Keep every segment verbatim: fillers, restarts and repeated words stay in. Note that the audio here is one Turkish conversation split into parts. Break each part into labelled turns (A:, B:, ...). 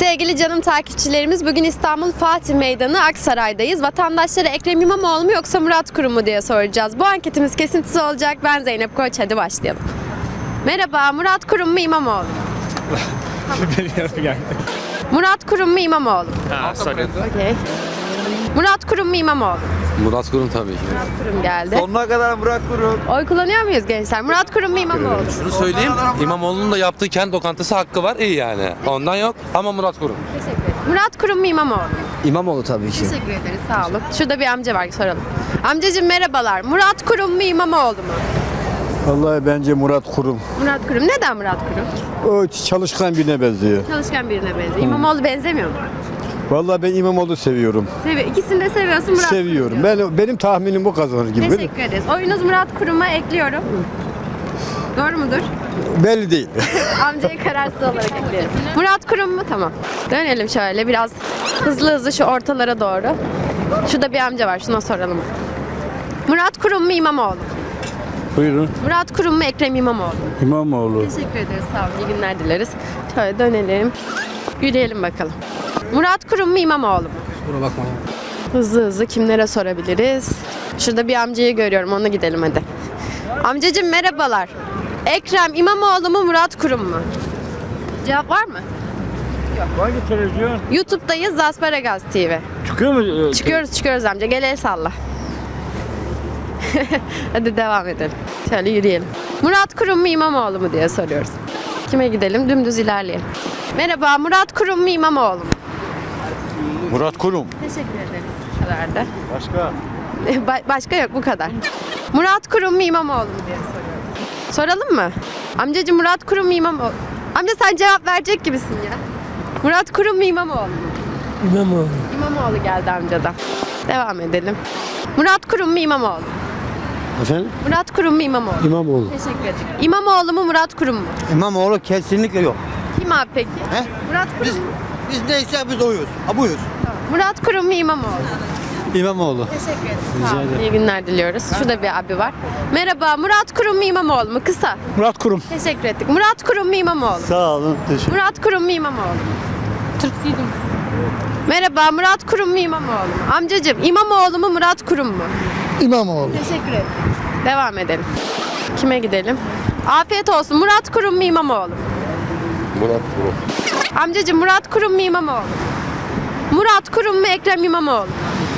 A: Sevgili canım takipçilerimiz, bugün İstanbul Fatih Meydanı Aksaray'dayız. Vatandaşlara Ekrem İmamoğlu mu yoksa Murat Kurum mu diye soracağız. Bu anketimiz kesintisiz olacak. Ben Zeynep Koç, hadi başlayalım. Merhaba, Murat Kurum mu İmamoğlu mu? Murat Kurum mu İmamoğlu mu?
B: Ha, sorry.
A: Okay. Murat Kurum mu İmamoğlu mu?
C: Murat Kurum tabii ki.
A: Murat Kurum geldi.
D: Sonuna kadar Murat Kurum.
A: Oy kullanıyor muyuz gençler? Murat Kurum mu İmamoğlu mu?
C: Şunu söyleyeyim, İmamoğlu'nun da yaptığı kent lokantası hakkı var, iyi yani. Ondan yok ama Murat Kurum.
A: Teşekkür ederim. Murat Kurum mu İmamoğlu mu?
D: İmamoğlu tabii ki.
A: Teşekkür ederiz, sağ olun. Şurada bir amca var, soralım. Amcacığım merhabalar. Murat Kurum mu İmamoğlu mu?
E: Vallahi bence Murat Kurum.
A: Murat Kurum. Neden Murat Kurum?
E: O çalışkan birine benziyor.
A: Çalışkan birine benziyor. İmamoğlu benzemiyor mu?
E: Vallahi ben İmamoğlu seviyorum.
A: Seviyor. İkisini de seviyorsun, Murat
E: Seviyorum.
A: Kurum diyorsun.
E: Ben benim tahminim bu kazanır gibi.
A: Teşekkür ederiz. Oyunuz Murat Kurum'a ekliyorum. Doğru mudur?
E: Belli değil.
A: Amcayı kararsız olarak ekleyelim. Murat Kurum mu? Tamam. Dönelim şöyle biraz hızlı hızlı şu ortalara doğru. Şurada bir amca var, şuna soralım. Murat Kurum mu İmamoğlu mu?
E: Buyurun.
A: Murat Kurum mu Ekrem İmamoğlu mu?
E: İmamoğlu.
A: Teşekkür ederiz, sağ olun. İyi günler dileriz. Şöyle dönelim. Yürüyelim bakalım. Murat Kurum mu İmamoğlu mu?
D: Kusura bakma.
A: Hızlı hızlı kimlere sorabiliriz? Şurada bir amcayı görüyorum, ona gidelim hadi. Amcacığım merhabalar. Ekrem İmamoğlu mu Murat Kurum mu? Cevap var mı?
F: Hangi televizyon?
A: YouTube'dayız, Zasparagaz T V.
F: Çıkıyor mu?
A: Çıkıyoruz çıkıyoruz amca, gel el salla. Hadi devam edelim. Şöyle yürüyelim. Murat Kurum mu İmamoğlu mu diye soruyoruz. Kime gidelim? Dümdüz ilerleyelim. Merhaba, Murat Kurum mu İmamoğlu mu?
E: Murat Kurum.
A: Teşekkür ederiz. Bu kadar da.
F: Başka?
A: Ba- başka yok, bu kadar. Murat Kurum mu İmamoğlu mu diye soruyoruz. Soralım mı? Amcacığım Murat Kurum mu İmamoğlu? Amca sen cevap verecek gibisin ya. Murat Kurum mu İmamoğlu mu?
F: İmamoğlu.
A: İmamoğlu geldi amcadan. Devam edelim. Murat Kurum mu İmamoğlu mu?
E: Efendim?
A: Murat Kurum mu İmamoğlu mu?
E: İmamoğlu.
A: Teşekkür ederim. İmamoğlu mu Murat Kurum mu?
D: İmamoğlu kesinlikle yok.
A: Kim abi peki?
D: He?
A: Murat Kurum
D: Biz
A: mu?
D: biz neyse biz oyuz. Ha buyuz.
A: Murat Kurum mu İmamoğlu mu?
E: İmamoğlu.
A: Teşekkür ederim. Sağ olun. İyi günler diliyoruz. Şurada bir abi var. Merhaba, Murat Kurum mu İmamoğlu mu? Kısa.
E: Murat Kurum.
A: Teşekkür ettik. Murat Kurum mu İmamoğlu mu?
E: Sağ olun. Teşekkür.
A: Murat Kurum mu İmamoğlu mu? Türklüydüm. Merhaba, Murat Kurum mu İmamoğlu mu? Amcacığım, İmamoğlu mu Murat Kurum mu?
E: İmamoğlu.
A: Teşekkür ederim. Devam edelim. Kime gidelim? Afiyet olsun. Murat Kurum mu İmamoğlu mu?
C: Murat Kurum.
A: Amcacığım, Murat Kurum mu İmamoğlu mu? Murat Kurum mu Ekrem İmamoğlu mu?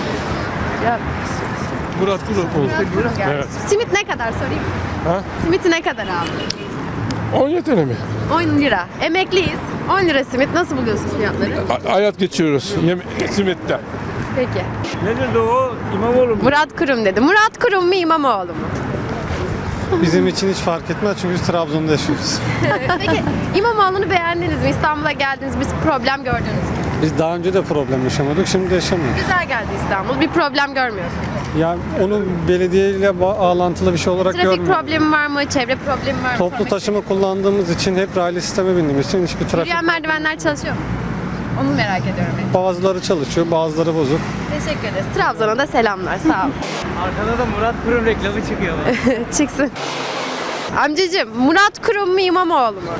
F: Murat Kurum.
A: Murat Kurum geldi. Simit ne kadar sorayım?
F: Ha?
A: Simiti ne kadar abi?
F: on yedi tane mi?
A: on lira. Emekliyiz. on lira simit. Nasıl buluyorsun fiyatları?
F: A- hayat geçiyoruz. Yem simette.
A: Peki.
F: Ne dedi o? İmamoğlu mu?
A: Murat Kurum dedi. Murat Kurum mu İmamoğlu mu?
E: Bizim için hiç fark etmez çünkü biz Trabzon'da yaşıyoruz.
A: Peki İmamoğlu'nu beğendiniz mi? İstanbul'a geldiniz, bir problem gördünüz mü?
E: Biz daha önce de problem yaşamadık, şimdi de yaşamıyoruz.
A: Güzel geldi İstanbul. Bir problem görmüyorsunuz.
E: Yani onu belediyeyle bağlantılı bir şey olarak
A: Trafik
E: görmüyorum.
A: problemi var mı? Çevre problemi var mı?
E: Toplu
A: Trafik-
E: taşıma kullandığımız için hep raylı sisteme bindiğimiz için hiçbir trafik.
A: Yürüyen merdivenler çalışıyor mu? Onu merak ediyorum. ben.
E: Bazıları çalışıyor, bazıları bozuk.
A: Teşekkür ederiz. Trabzon'a da selamlar. Sağ olun.
F: Arkada da Murat Kurum reklamı çıkıyor.
A: Çıksın. Amcacığım, Murat Kurum mu İmamoğlu mu?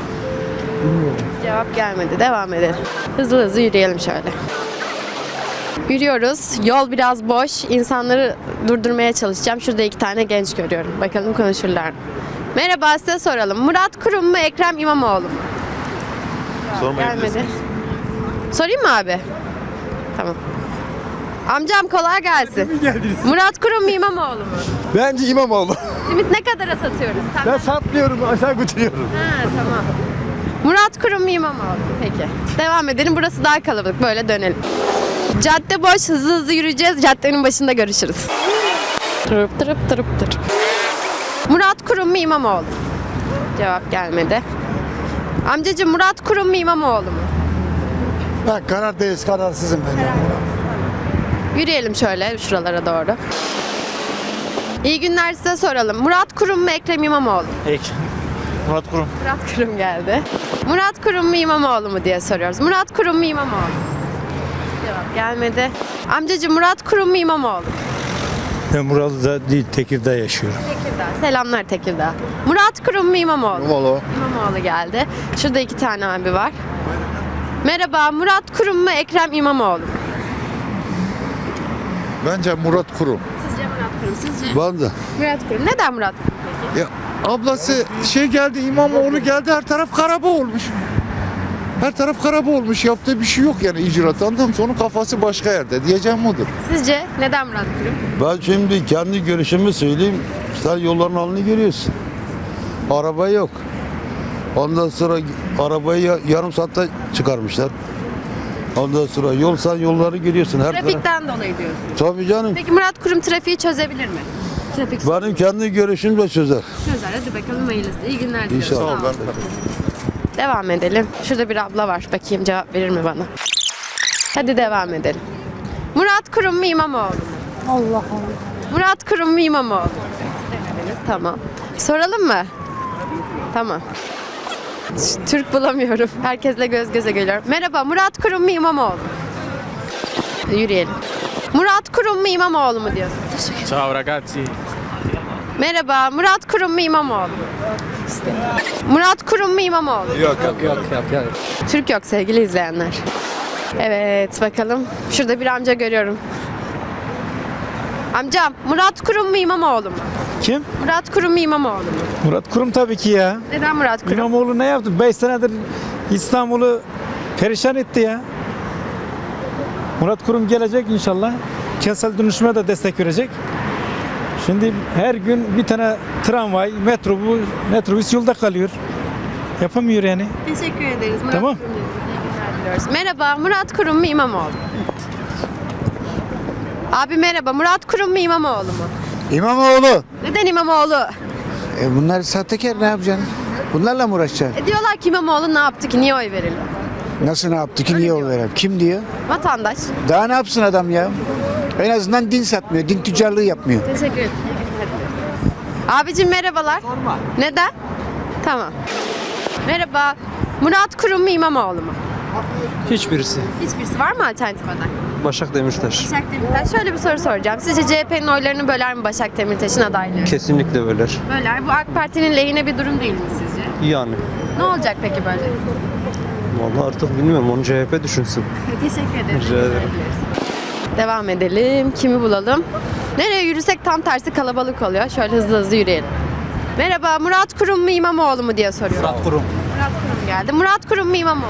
A: Cevap gelmedi. Devam edelim. Hızlı hızlı yürüyelim şöyle. Yürüyoruz. Yol biraz boş. İnsanları durdurmaya çalışacağım. Şurada iki tane genç görüyorum. Bakalım konuşurlar mı? Merhaba, size soralım. Murat Kurum mu Ekrem İmamoğlu mu? Gelmedi. Sorayım mı abi? Tamam. Amcam kolay gelsin. Murat Kurum mu İmamoğlu mu?
E: Bence İmamoğlu.
A: Simit ne kadara satıyoruz? Sen
E: Ben satmıyorum, aşağı götürüyorum.
A: Ha, tamam. Murat Kurum mu İmamoğlu mu? Peki. Devam edelim. Burası daha kalabalık. Böyle dönelim. Cadde boş. Hızlı hızlı yürüyeceğiz. Caddenin başında görüşürüz. Tırıp tırıp tırıp tırıp. Murat Kurum mu İmamoğlu mu? Cevap gelmedi. Amcacığım, Murat Kurum mu İmamoğlu mu?
E: Ben karardayız, kararsızım ben.
A: Yürüyelim şöyle şuralara doğru. İyi günler, size soralım. Murat Kurum mu Ekrem İmamoğlu mu?
F: Peki. Murat Kurum.
A: Murat Kurum geldi. Murat Kurum mu İmamoğlu mu diye soruyoruz. Murat Kurum mu İmamoğlu mu? Cevap gelmedi. Amcacığım, Murat Kurum mu İmamoğlu mu?
F: Ben Murat'ta değil, Tekirdağ yaşıyorum.
A: Tekirdağ. Selamlar Tekirdağ. Murat Kurum mu İmamoğlu mu?
E: İmamoğlu.
A: İmamoğlu geldi. Şurada iki tane abi var. Merhaba, Murat Kurum mu, Ekrem İmamoğlu mu?
B: Bence Murat Kurum.
A: Sizce Murat Kurum, sizce?
B: Ben de.
A: Murat Kurum. Neden Murat Kurum peki?
B: Ya ablası şey geldi, İmamoğlu geldi, her taraf karaba olmuş. Her taraf karaba olmuş. Yaptığı bir şey yok yani icraat. Anladın mı? Onun kafası başka yerde. Diyeceğim odur.
A: Sizce neden Murat Kurum?
G: Ben şimdi kendi görüşümü söyleyeyim. Sen yolların halini görüyorsun. Araba yok. Ondan sonra arabayı ya- yarım saatte çıkarmışlar. Ondan sonra yol sen yolları görüyorsun. Her taraf.
A: Trafikten dolayı diyorsun.
G: Tabii canım.
A: Peki Murat Kurum trafiği çözebilir mi? Trafik
G: Benim kendi görüşüm de çözer.
A: çözer. Hadi bakalım hayırlısı. İyi günler diliyorum.
G: İnşallah.
A: Sağ olun. Devam edelim. Şurada bir abla var. Bakayım cevap verir mi bana? Hadi devam edelim. Murat Kurum mu İmamoğlu mu? Allah Allah. Murat Kurum mu İmamoğlu mu? Demediniz. Tamam. Soralım mı? Tamam. Türk bulamıyorum. Herkesle göz göze geliyorum. Merhaba, Murat Kurum mu İmamoğlu mu? Yürüyelim. Murat Kurum mu İmamoğlu mu diyorsun?
F: Ciao ragazzi.
A: Merhaba, Murat Kurum mu İmamoğlu mu? Murat Kurum mu İmamoğlu mu?
D: Yok yok yok yok. yok.
A: Türk yok sevgili izleyenler. Evet bakalım. Şurada bir amca görüyorum. Amcam, Murat Kurum mu İmamoğlu mu?
F: Kim?
A: Murat Kurum mu İmamoğlu mu?
F: Murat Kurum tabii ki ya.
A: Neden Murat Kurum?
F: İmamoğlu ne yaptı? beş senedir İstanbul'u perişan etti ya. Murat Kurum gelecek inşallah. Kentsel dönüşüme de destek verecek. Şimdi her gün bir tane tramvay, metrobüs, metrobüs yolda kalıyor. Yapamıyor yani.
A: Teşekkür ederiz. Murat
F: Tamam.
A: Kurum dediniz. İyi günler diliyoruz. Merhaba, Murat Kurum mu İmamoğlu mu? Abi merhaba, Murat Kurum mu İmamoğlu mu?
H: İmamoğlu.
A: Neden İmamoğlu?
H: E bunlar sahtekar, ne yapacaksın? Bunlarla mı uğraşacaksın?
A: E diyorlar ki İmamoğlu ne yaptı ki, niye oy verelim?
H: Nasıl ne yaptı ki, niye o veren? Kim diyor?
A: Vatandaş.
H: Daha ne yapsın adam ya? En azından din satmıyor, din tüccarlığı yapmıyor.
A: Teşekkür ederim. Abicim merhabalar. Sorma. Neden? Tamam. Merhaba. Murat Kurum mu İmamoğlu mu?
E: Hiçbirisi.
A: Hiçbirisi var mı alternatif aday?
E: Başak Demirtaş.
A: Başak Demirtaş. Şöyle bir soru soracağım. Sizce C H P'nin oylarını böler mi Başak Demirtaş'ın adaylığı?
E: Kesinlikle böler.
A: Böler. Bu AK Parti'nin lehine bir durum değil mi sizce?
E: Yani.
A: Ne olacak peki böyle?
E: Vallahi artık bilmiyorum. Onu C H P düşünsün.
A: Teşekkür ederim.
E: Rica ederim.
A: Devam edelim. Kimi bulalım? Nereye yürüsek tam tersi kalabalık oluyor. Şöyle hızlı hızlı yürüyelim. Merhaba, Murat Kurum mu İmamoğlu mu diye soruyorum. Murat
E: Kurum.
A: Murat Kurum geldi. Murat Kurum mu İmamoğlu?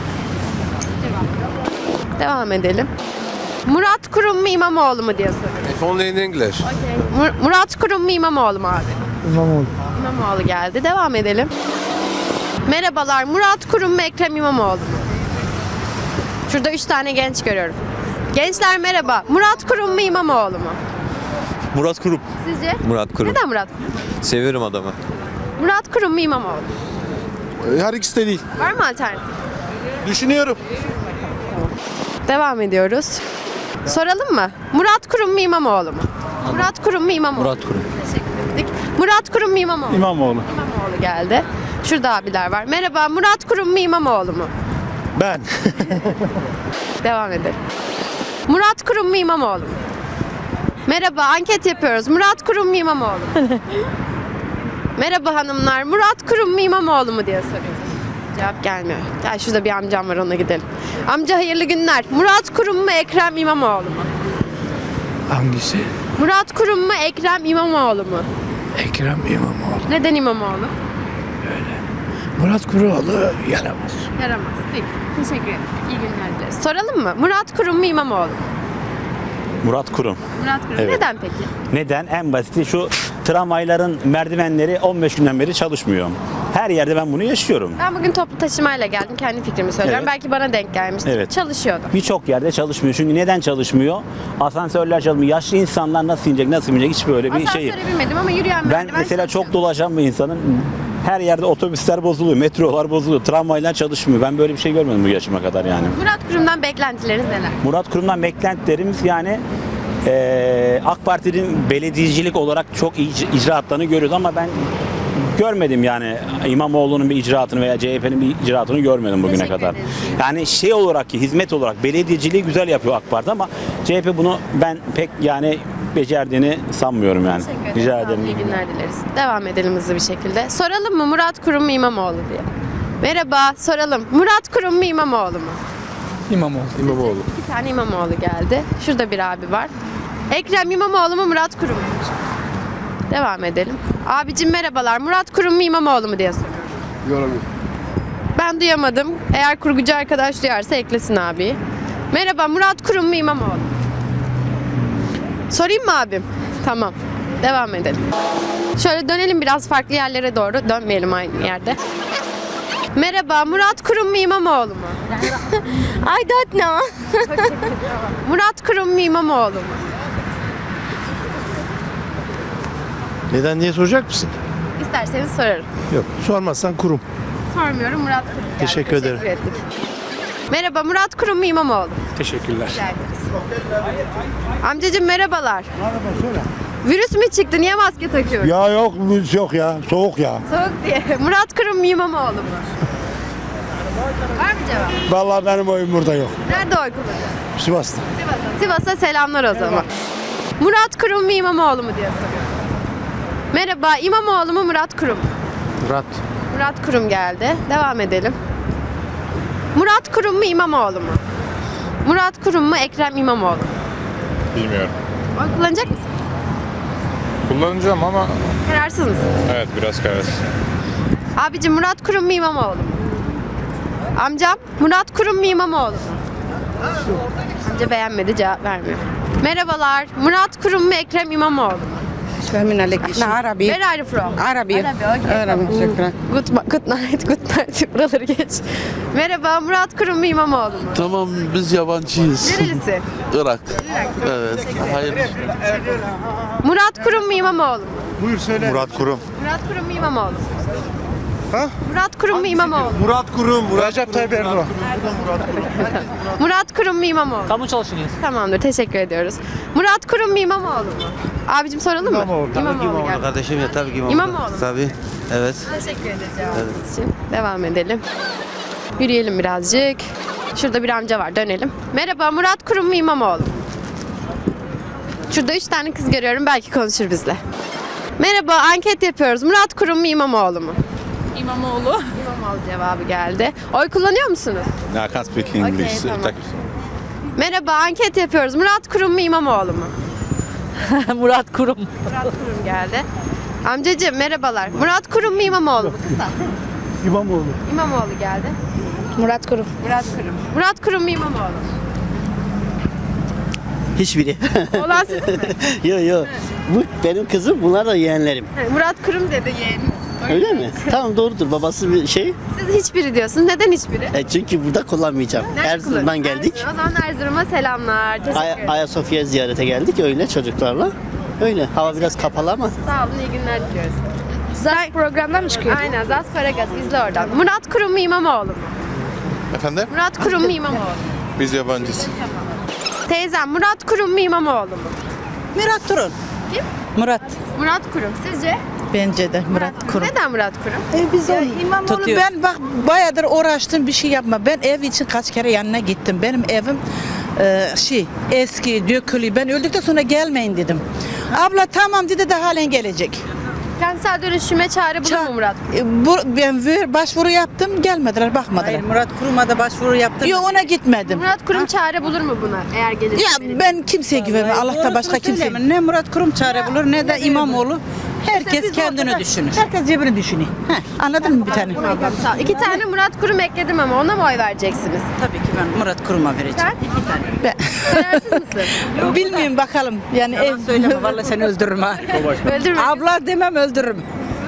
A: Devam. Devam edelim. Murat Kurum mu İmamoğlu mu diye soruyorum.
C: If only in English.
A: Mur- Murat Kurum mu İmamoğlu mu abi?
E: İmamoğlu.
A: İmamoğlu geldi. Devam edelim. Merhabalar, Murat Kurum mu Ekrem İmamoğlu mu? Şurada üç tane genç görüyorum. Gençler merhaba. Murat Kurum mu İmamoğlu mu?
I: Murat Kurum.
A: Sizce?
I: Murat Kurum.
A: Neden Murat Kurum?
I: Severim adamı.
A: Murat Kurum mu İmamoğlu mu?
B: Her ikisi de değil.
A: Var mı alternatif?
B: Düşünüyorum.
A: Devam ediyoruz. Soralım mı? Murat Kurum mu İmamoğlu mu? Murat Kurum mu İmamoğlu mu?
I: Murat Kurum.
A: Teşekkür ettik. Murat Kurum mu İmamoğlu mu?
E: İmamoğlu.
A: İmamoğlu geldi. Şurada abiler var. Merhaba, Murat Kurum mu İmamoğlu mu?
H: Ben.
A: Devam edelim. Murat Kurum mu İmamoğlu mu? Merhaba, anket yapıyoruz. Murat Kurum mu İmamoğlu mu? Merhaba hanımlar, Murat Kurum mu İmamoğlu mu diye soruyoruz. Cevap gelmiyor. Gel şurada bir amcam var, ona gidelim. Amca hayırlı günler. Murat Kurum mu Ekrem İmamoğlu mu?
H: Hangisi?
A: Murat Kurum mu Ekrem İmamoğlu mu?
H: Ekrem İmamoğlu.
A: Neden İmamoğlu?
H: Murat Kuroğlu yaramaz.
A: Yaramaz. Peki. Teşekkür ederim. İyi günler dileriz. Soralım mı? Murat Kurum mu İmamoğlu mu?
J: Murat Kurum.
A: Murat Kurum.
J: Evet.
A: Neden peki?
J: Neden? En basiti şu tramvayların merdivenleri on beş günden beri çalışmıyor. Her yerde ben bunu yaşıyorum.
A: Ben bugün toplu taşımayla geldim. Kendi fikrimi söylüyorum.
J: Evet.
A: Belki bana denk gelmiştir.
J: Evet.
A: Çalışıyordu.
J: Birçok yerde çalışmıyor. Çünkü neden çalışmıyor? Asansörler çalışmıyor. Yaşlı insanlar nasıl inecek, nasıl inecek hiç böyle bir şey.
A: Asansöre binmedim ama yürüyen
J: Ben
A: merdiven
J: mesela çok
A: çalışıyorum.
J: dolaşan bir insanım. Her yerde otobüsler bozuluyor, metrolar bozuluyor, tramvaylar çalışmıyor. Ben böyle bir şey görmedim bu yaşıma kadar yani.
A: Murat Kurum'dan beklentileriniz neler?
J: Murat Kurum'dan beklentilerimiz yani eee AK Parti'nin belediyecilik olarak çok iyi ic- icraatlarını görüyoruz ama ben görmedim yani İmamoğlu'nun bir icraatını veya C H P'nin bir icraatını görmedim bugüne
A: Teşekkür
J: kadar.
A: ederiz.
J: Yani şey olarak ki hizmet olarak belediyeciliği güzel yapıyor AK Parti ama C H P bunu ben pek yani becerdiğini sanmıyorum yani.
A: Teşekkür ederiz.
J: Rica
A: Sağ olun,
J: ederim.
A: İyi günler dileriz. Devam edelim hızlı bir şekilde. Soralım mı Murat Kurum mu İmamoğlu diye. Merhaba, soralım. Murat Kurum mu İmamoğlu mu?
E: İmamoğlu.
I: İmamoğlu.
A: Bir tane İmamoğlu geldi. Şurada bir abi var. Ekrem İmamoğlu mu Murat Kurum mu? Devam edelim. Abicim merhabalar. Murat Kurum mu İmamoğlu mu diye soruyorum. Ben duyamadım. Eğer kurgucu arkadaş duyarsa eklesin abi. Merhaba, Murat Kurum mu İmamoğlu mu? Sorayım mı abim? Tamam. Devam edelim. Şöyle dönelim biraz farklı yerlere doğru. Dönmeyelim aynı yerde. Merhaba, Murat Kurum mu İmamoğlu mu?
K: I don't know.
A: Murat Kurum mu İmamoğlu mu?
E: Neden diye soracak mısın?
A: İsterseniz sorarım.
E: Yok. Sormazsan kurum.
A: Sormuyorum, Murat Kurum geldi.
E: Teşekkür ederim.
A: ettik. Merhaba, Murat Kurum mu İmamoğlu mu?
E: Teşekkürler.
A: Amcacığım merhabalar. Merhaba, söyle. Virüs mü çıktı? Niye maske takıyorsun?
G: Ya yok virüs yok ya. Soğuk ya.
A: Soğuk diye. Murat Kurum mu İmamoğlu mu? Var mı cevap?
G: Vallahi benim oyum burada yok.
A: Nerede oy kullanıyorsun?
G: Sivas'ta.
A: Sivas'a. Sivas'a selamlar o zaman. Murat Kurum mu İmamoğlu mu diye soruyorum. Merhaba, İmamoğlu mu Murat Kurum mu?
E: Murat.
A: Murat Kurum geldi. Devam edelim. Murat Kurum mu İmamoğlu mu? Murat Kurum mu Ekrem İmamoğlu mu?
I: Bilmiyorum.
A: Oy kullanacak mısın?
I: Kullanacağım ama
A: Kararsız mısın?
I: evet biraz kararsız.
A: Abicim Murat Kurum mu İmamoğlu mu? Amcam Murat Kurum mu İmamoğlu mu? Amca beğenmedi, cevap vermiyor. Merhabalar. Murat Kurum mu Ekrem İmamoğlu mu?
K: Fehmin aleyküm. Arabi.
A: Where are you from?
K: Arabi.
A: Arabi, okay.
K: Arabi, şükran.
A: Good, ma- good night, good night. Buraları geç. Merhaba, Murat Kurum mu İmamoğlu mu?
C: Tamam biz yabancıyız.
A: Nerelisin?
C: Irak. Evet. Hayır.
A: Murat Kurum mu İmamoğlu mu?
G: Murat Kurum.
A: Murat Kurum mu İmamoğlu mu? Ha? Murat Kurum mu İmamoğlu mu?
G: Murat Kurum. Recep Tayyip Erdoğan.
A: Murat Kurum mu İmamoğlu mu?
E: Kamu çalışıyoruz.
A: Tamamdır, teşekkür ediyoruz. Murat Kurum mu İmamoğlu mu? Abicim soralım mı? İmamoğlu. İmamoğlu geldi.
D: Kardeşim ya tabii ki İmamoğlu.
A: İmamoğlu.
D: Tabii. Evet.
A: Teşekkür ederiz cevabınız için. Devam edelim. Yürüyelim birazcık. Şurada bir amca var, dönelim. Merhaba, Murat Kurum mu İmamoğlu mu? Şurada üç tane kız görüyorum, belki konuşur bizle. Merhaba, anket yapıyoruz. Murat Kurum mu İmamoğlu mu?
K: İmamoğlu.
A: İmamoğlu cevabı geldi. Oy kullanıyor musunuz?
I: I can't speak English.
A: Okay, tamam. Merhaba, anket yapıyoruz. Murat Kurum mu İmamoğlu mu?
K: Murat Kurum.
A: Murat Kurum geldi. Amcacığım merhabalar. Murat Kurum mu İmamoğlu mu? Kısa.
E: İmamoğlu.
A: İmamoğlu geldi.
K: Murat Kurum.
A: Murat Kurum. Murat Kurum mu İmamoğlu mu?
D: Hiçbiri.
A: Olan sizin mi?
D: Yok yok. Bu benim kızım, bunlar da yeğenlerim.
A: Murat Kurum dedi yeğeniniz.
D: Öyle mi? Tamam doğrudur. Babası bir şey.
A: Siz hiçbiri diyorsunuz. Neden hiçbiri?
D: E çünkü burada kullanmayacağım.
A: Nerede
D: Erzurum'dan
A: kullanın?
D: geldik.
A: Erzurum. O zaman Erzurum'a selamlar. Teşekkür
D: Ay-
A: ederim.
D: Ayasofya ziyarete geldik öyle çocuklarla. Öyle. Hava biraz kapalı ama.
A: Sağ olun, iyi günler diliyoruz.
K: Zay programdan mı çıkıyor?
A: Aynen, Zas Paragaz. İzle oradan. Murat Kurum mu İmamoğlu mu?
I: Efendim?
A: Murat Kurum mu İmamoğlu mu?
I: Biz yabancıyız.
A: Teyzem Murat Kurum mu İmamoğlu mu?
K: Murat Kurum.
A: Kim?
K: Murat.
A: Murat Kurum. Sizce?
K: Bence de Murat Kurum.
A: Neden Murat Kurum?
K: E biz İmamoğlu ben bak bayağıdır uğraştım bir şey yapma. Ben ev için kaç kere yanına gittim. Benim evim e, şey eski dökülü. Ben öldükten sonra gelmeyin dedim. Abla tamam dedi de halen gelecek.
A: Kentsel dönüşüme çare bulur mu Murat Kurum?
K: E, bu, ben ver, başvuru yaptım gelmediler bakmadılar.
L: Hayır, Murat Kurum'a da başvuru yaptım.
K: Yok ona gitmedim.
A: Murat Kurum çare bulur mu buna eğer gelirse?
K: Ya ben kimseye güvenmem. Allah'ta başka kimse.
L: Ne Murat Kurum çare bulur ne de İmamoğlu. Herkes kendini düşünür.
K: Herkes cebini düşünüyor. Heh, anladın mı bir tane?
A: Tamam, sağ ol. İki tane Murat Kurum ekledim ama ona mı oy vereceksiniz?
L: Tabii ki ben Murat Kurum'a vereceğim.
A: Sen?
K: Ben,
A: Kararsız mısın?
K: bilmiyorum bakalım. Yani ev
L: Yalan söyleme vallahi seni öldürürüm ha.
A: Öldürme.
L: Abla demem öldürürüm.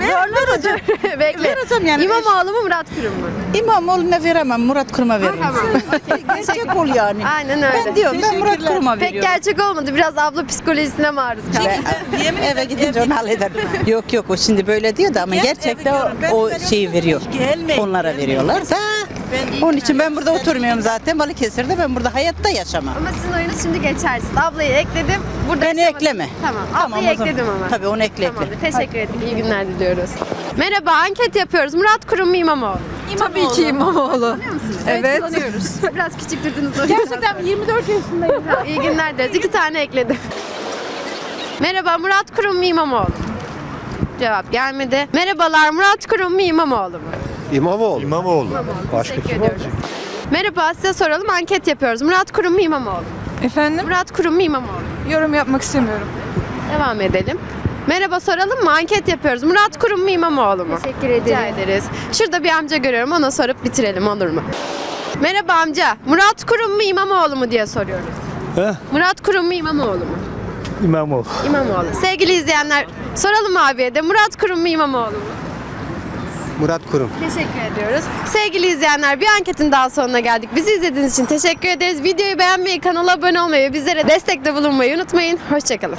A: Bekle.
K: Vereceğim yani.
A: İmamoğlu mu Murat Kurum mu?
K: İmamoğlu'na veremem. Murat Kurum'a veririm.
A: Tamam. Okey,
K: Gerçek ol yani.
A: Aynen öyle.
K: Ben diyorum ben Murat Kurum'a
A: Pek
K: veriyorum.
A: gerçek olmadı. Biraz abla psikolojisine maruz kaldı.
K: Yemin eve gidince onu hallederim.
L: Yok yok o şimdi böyle diyor da ama gerçekten o, o şeyi veriyor. Onlara veriyorlar da. Onun için ben burada oturmuyorum zaten. Balıkesir'de ben burada hayatta yaşamam.
A: Ama sizin oyunuz şimdi geçersiz. Ablayı ekledim. Burada
L: Beni
A: yaşamadım.
L: ekleme.
A: Tamam.
L: Tamam,
A: Ablayı
L: o zaman.
A: ekledim ama.
L: Tabii onu ekle ekle.
A: Tamamdır. Teşekkür ettik. İyi günler diliyoruz. Merhaba, anket yapıyoruz. Murat Kurum mu İmamoğlu?
K: Tabii ki İmamoğlu.
A: Kullanıyor musunuz? Evet. Kullanıyoruz. Biraz küçük durdunuz. Gerçekten yirmi dört yaşındayım. İyi günler dileriz. İki tane ekledim. Merhaba, Murat Kurum mu İmamoğlu? Cevap gelmedi. Merhabalar, Murat Kurum mu İmamoğlu mu?
E: İmamoğlu. İmamoğlu.
A: Teşekkür ediyoruz. Merhaba, size soralım, anket yapıyoruz. Murat Kurum mu İmamoğlu mu?
K: Efendim?
A: Murat Kurum mu İmamoğlu mu?
K: Yorum yapmak istemiyorum.
A: Devam edelim. Merhaba, soralım mı? Anket yapıyoruz. Murat Kurum mu İmamoğlu mu?
M: Teşekkür ederim.
A: Rica ederiz. Şurada bir amca görüyorum, ona sorup bitirelim, olur mu? Merhaba amca, Murat Kurum mu İmamoğlu mu diye soruyoruz.
F: He?
A: Murat Kurum mu İmamoğlu mu?
F: İmamoğlu.
A: İmamoğlu. Sevgili izleyenler, soralım abiye de Murat Kurum mu İmamoğlu mu?
E: Murat Kurum.
A: Teşekkür ediyoruz. Sevgili izleyenler, bir anketin daha sonuna geldik. Bizi izlediğiniz için teşekkür ederiz. Videoyu beğenmeyi, kanala abone olmayı ve bizlere destekte bulunmayı unutmayın. Hoşçakalın.